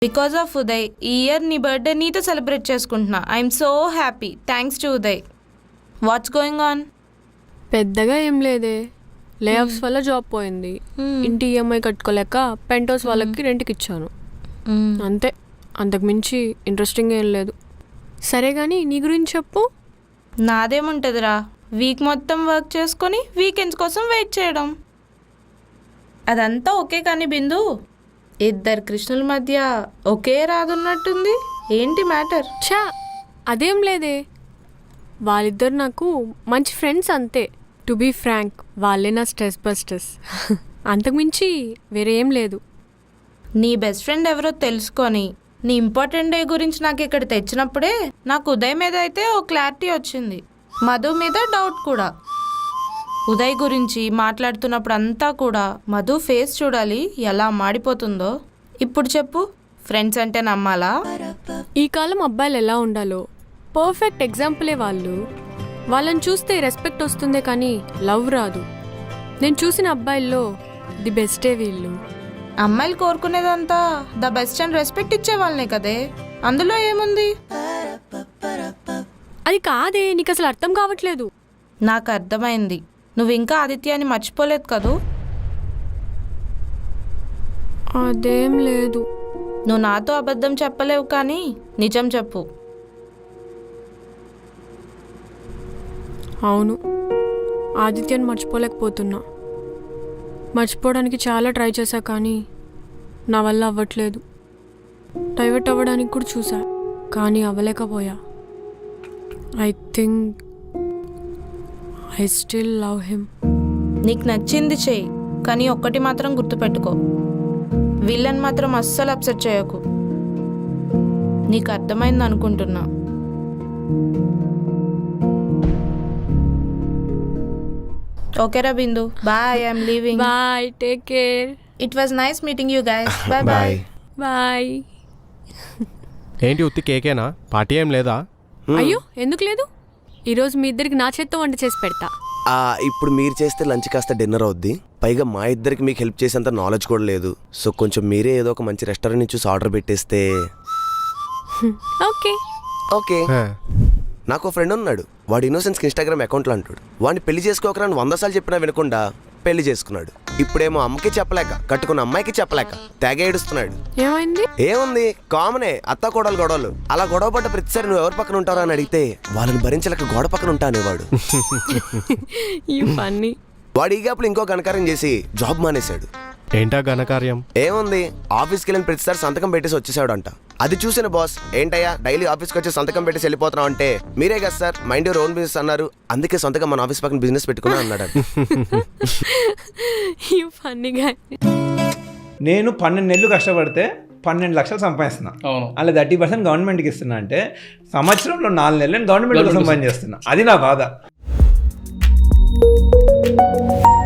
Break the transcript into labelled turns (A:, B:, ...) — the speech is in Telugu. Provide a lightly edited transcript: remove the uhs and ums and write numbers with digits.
A: బికాస్ ఆఫ్ ఉదయ్ ఈ ఇయర్ నీ బర్త్డే నీతో సెలబ్రేట్ చేసుకుంటున్నా. I'm so happy. Thanks to Uday. What's going on?
B: పెద్దగా ఏం లేదే, లేఆఫ్స్ వల్ల జాబ్ పోయింది. ఇంటి ఈఎంఐ కట్టుకోలేక పెంటోస్ వాళ్ళకి రెంట్కి ఇచ్చాను. అంతే, అంతకుమించి ఇంట్రెస్టింగ్ ఏం లేదు. సరే కానీ నీ గురించి చెప్పు.
A: నాదేముంటుందిరా, వీక్ మొత్తం వర్క్ చేసుకొని వీకెండ్స్ కోసం వెయిట్ చేయడం. అదంతా ఓకే కానీ బిందు, ఇద్దరు కృష్ణుల మధ్య ఒకే రాదున్నట్టుంది. ఏంటి మ్యాటర్?
B: ఛా, అదేం లేదే, వాళ్ళిద్దరు నాకు మంచి ఫ్రెండ్స్ అంతే. టు బీ ఫ్రాంక్, వాళ్ళే నా స్ట్రెస్ బస్టర్స్. అంతకుమించి వేరే ఏం లేదు.
A: నీ బెస్ట్ ఫ్రెండ్ ఎవరో తెలుసుకొని నీ ఇంపార్టెంట్ డే గురించి నాకు ఇక్కడ తెచ్చినప్పుడే నాకు ఉదయ్ మీద అయితే ఓ క్లారిటీ వచ్చింది, మధు మీద డౌట్ కూడా. ఉదయ్ గురించి మాట్లాడుతున్నప్పుడు అంతా కూడా మధు ఫేస్ చూడాలి ఎలా మాడిపోతుందో. ఇప్పుడు చెప్పు, ఫ్రెండ్స్ అంటే నమ్మాలా?
B: ఈ కాలం అబ్బాయిలు ఎలా ఉండాలో పర్ఫెక్ట్ ఎగ్జాంపులే వాళ్ళు. వాళ్ళని చూస్తే రెస్పెక్ట్ వస్తుందే కానీ లవ్ రాదు. నేను చూసిన అబ్బాయిల్లో ది బెస్టే వీళ్ళు.
A: అమ్మాయిలు కోరుకునేదంతా ద బెస్ట్ అండ్ రెస్పెక్ట్ ఇచ్చే వాళ్ళనే కదే, అందులో ఏముంది?
B: అది కాదే, నీకు అసలు అర్థం కావట్లేదు.
A: నాకు అర్థమైంది, నువ్వు ఇంకా ఆదిత్యాన్ని మర్చిపోలేదు కదూ?
B: అదేం లేదు.
A: నువ్వు నాతో అబద్ధం చెప్పలేవు కానీ నిజం చెప్పు.
B: అవును, ఆదిత్యాన్ని మర్చిపోలేకపోతున్నా. మర్చిపోవడానికి చాలా ట్రై చేశా కానీ నా వల్ల అవ్వట్లేదు. డైవర్ట్ అవ్వడానికి కూడా చూసా కానీ అవ్వలేకపోయా. I think I still love him.
A: నీకు నచ్చింది చెయ్యి, కానీ ఒక్కటి మాత్రం గుర్తుపెట్టుకో, వీళ్ళని మాత్రం అస్సలు అప్సెట్ చేయకు. నీకు అర్థమైంది అనుకుంటున్నా. ఓకేరా Bindu, bye. I'm leaving.
B: Bye, take care.
A: It was nice meeting you guys. Bye bye.
B: Bye.
C: ఏంటి ఉత్తి కేకేనా? పార్టీ ఏం లేదా?
B: అయ్యో, ఎందుకు లేదు? ఈరోజు మీ ఇద్దరికి నా చేత్తో వంట చేసి పెడతా.
D: ఇప్పుడు మీరు చేస్తే లంచ్ కాస్త డిన్నర్ అవుద్ది. పైగా మా ఇద్దరికి మీకు హెల్ప్ చేసేంత నాలెడ్జ్ కూడా లేదు. సో కొంచెం మీరే ఏదో ఒక మంచి రెస్టారెంట్ చూసి ఆర్డర్ పెట్టేస్తే.
B: Okay
D: okay. నాకు ఫ్రెండ్ ఉన్నాడు, వాడు ఇన్నోసెన్స్కి ఇన్స్టాగ్రామ్ అకౌంట్లో అంటాడు. వాడిని పెళ్లి చేసుకోకరా 100 సార్లు చెప్పినా వినకుండా పెళ్లి చేసుకున్నాడు. ఇప్పుడేమో అమ్మకి చెప్పలేక, కట్టుకున్న అమ్మాయికి చెప్పలేక తెగ ఏడుస్తున్నాడు.
B: ఏమైంది?
D: ఏముంది, కామనే, అత్త కోడలు గొడవలు. అలా గొడవ పడ్డ ప్రతిసారి నువ్వు ఎవరి పక్కన ఉంటారా అని అడిగితే వాళ్ళని భరించలేక గోడ పక్కన ఉంటా అనేవాడు. వాడు ఈ గ్యాప్లో ఇంకో ఘనకార్యం చేసి జాబ్ మానేశాడు.
C: ఏంటా ఘనకార్యం?
D: ఏముంది, ఆఫీస్కి వెళ్ళిన ప్రతిసారి సంతకం పెట్టేసి వచ్చేసాడు అంట. అది చూసిన బాస్, ఏంటయ్యా డైలీ ఆఫీస్కి వచ్చి సంతకం పెట్టేసి వెళ్ళిపోతున్నావు అంటే, మీరే కదా sir mind your own business అన్నారు, అందుకే సొంతగా మన ఆఫీస్ పక్కన బిజినెస్ పెట్టుకున్నా అన్నాడు.
E: నేను 12 నెలలు కష్టపడితే 12 లక్షలు సంపాదిస్తున్నా. అలా 30% గవర్నమెంట్కి ఇస్తున్నా అంటే సంవత్సరంలో 4 నెలలు గవర్నమెంట్ సంపాదించేస్తున్నా. అది నా బాధ.